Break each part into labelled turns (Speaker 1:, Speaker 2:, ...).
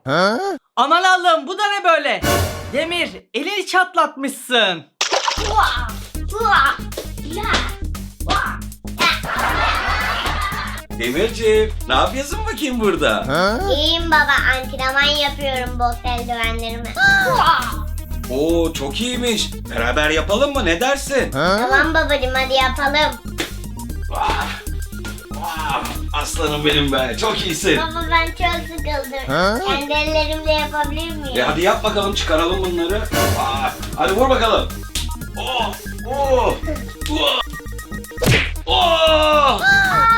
Speaker 1: Aman Allah'ım, bu da ne böyle? Demir, elini çatlatmışsın.
Speaker 2: Demirciğim, ne yapıyorsun bakayım burada?
Speaker 3: İyiyim baba, antrenman yapıyorum boks eldivenlerimi.
Speaker 2: Oo, çok iyiymiş. Beraber yapalım mı? Ne dersin?
Speaker 3: Tamam babacığım, hadi yapalım.
Speaker 2: Vah, vah, aslanım benim be. Çok iyisin.
Speaker 3: Baba ben çok sıkıldım. Kendi ellerimle yapabilir miyim?
Speaker 2: Hadi yap bakalım, çıkaralım bunları. Hadi vur bakalım. Oh, oh, oh, oh.
Speaker 3: Aa!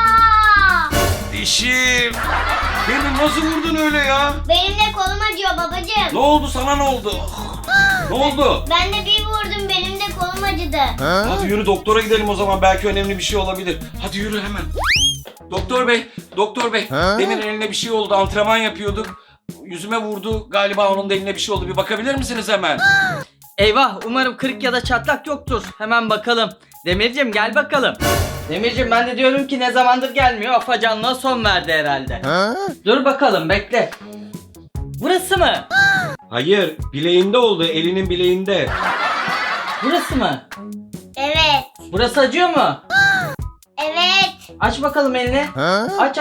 Speaker 2: Dişim. Beni nasıl vurdun öyle ya?
Speaker 3: Benim de kolum acıyor babacığım.
Speaker 2: Ne oldu sana, ne oldu? Ne oldu?
Speaker 3: Ben de bir vurdum, benim de kolum acıdı.
Speaker 2: Hadi yürü, doktora gidelim o zaman. Belki önemli bir şey olabilir. Hadi yürü hemen. Doktor bey, doktor bey. Demin eline bir şey oldu. Antrenman yapıyorduk. Yüzüme vurdu. Galiba onun da eline bir şey oldu. Bir bakabilir misiniz hemen?
Speaker 1: Eyvah, umarım kırık ya da çatlak yoktur. Hemen bakalım. Demircim, gel bakalım. Demircim, ben de diyorum ki ne zamandır gelmiyor. Afacanlığa son verdi herhalde. Dur bakalım, bekle. Burası mı?
Speaker 2: Hayır, bileğinde oldu. Elinin bileğinde.
Speaker 1: Burası mı?
Speaker 3: Evet.
Speaker 1: Burası acıyor mu?
Speaker 3: Evet.
Speaker 1: Aç bakalım elini. Aç.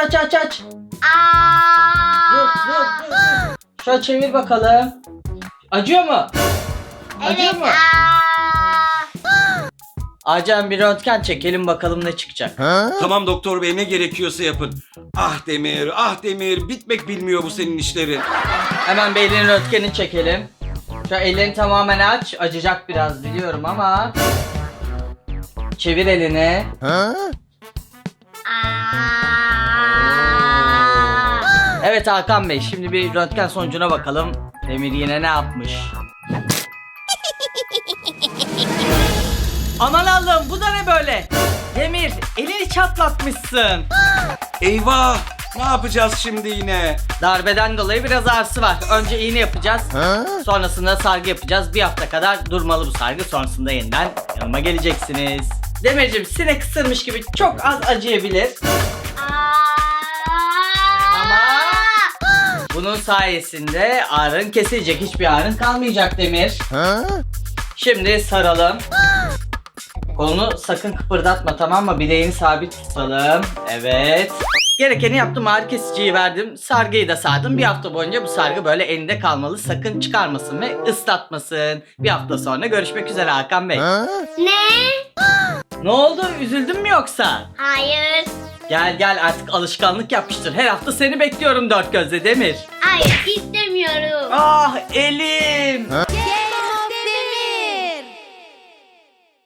Speaker 1: Dur. Şöyle çevir bakalım. Acıyor mu? Acıyor
Speaker 3: Evet.
Speaker 1: mu? Acilen bir röntgen çekelim bakalım ne çıkacak.
Speaker 2: Tamam doktor bey, ne gerekiyorsa yapın. Ah Demir, ah Demir. Bitmek bilmiyor bu senin işlerin.
Speaker 1: Hemen bir elini röntgenini çekelim. Şu ellerini tamamen aç. Acıyacak biraz biliyorum ama. Çevir elini. Evet Hakan Bey, şimdi bir röntgen sonucuna bakalım. Demir yine ne yapmış? Aman Allah'ım, bu da ne böyle? Demir, elini çatlatmışsın.
Speaker 2: Eyvah! Ne yapacağız şimdi yine?
Speaker 1: Darbeden dolayı biraz ağrısı var. Önce iğne yapacağız. Sonrasında sargı yapacağız. Bir hafta kadar durmalı bu sargı. Sonrasında yeniden yanıma geleceksiniz. Demircim, sinek ısırmış gibi çok az acıyabilir. Ama bunun sayesinde ağrın kesilecek. Hiçbir ağrın kalmayacak Demir. Şimdi saralım. Kolunu sakın kıpırdatma, tamam mı? Bileğini sabit tutalım. Evet. Gerekeni yaptım, ağrı kesiciyi verdim. Sargıyı da sardım. Bir hafta boyunca bu sargı böyle elinde kalmalı. Sakın çıkarmasın ve ıslatmasın. Bir hafta sonra görüşmek üzere Hakan Bey.
Speaker 3: Ne?
Speaker 1: Ne oldu? Üzüldün mü yoksa?
Speaker 3: Hayır.
Speaker 1: Gel artık alışkanlık yapmıştır. Her hafta seni bekliyorum dört gözle Demir.
Speaker 3: Hayır, istemiyorum.
Speaker 1: Ah elim.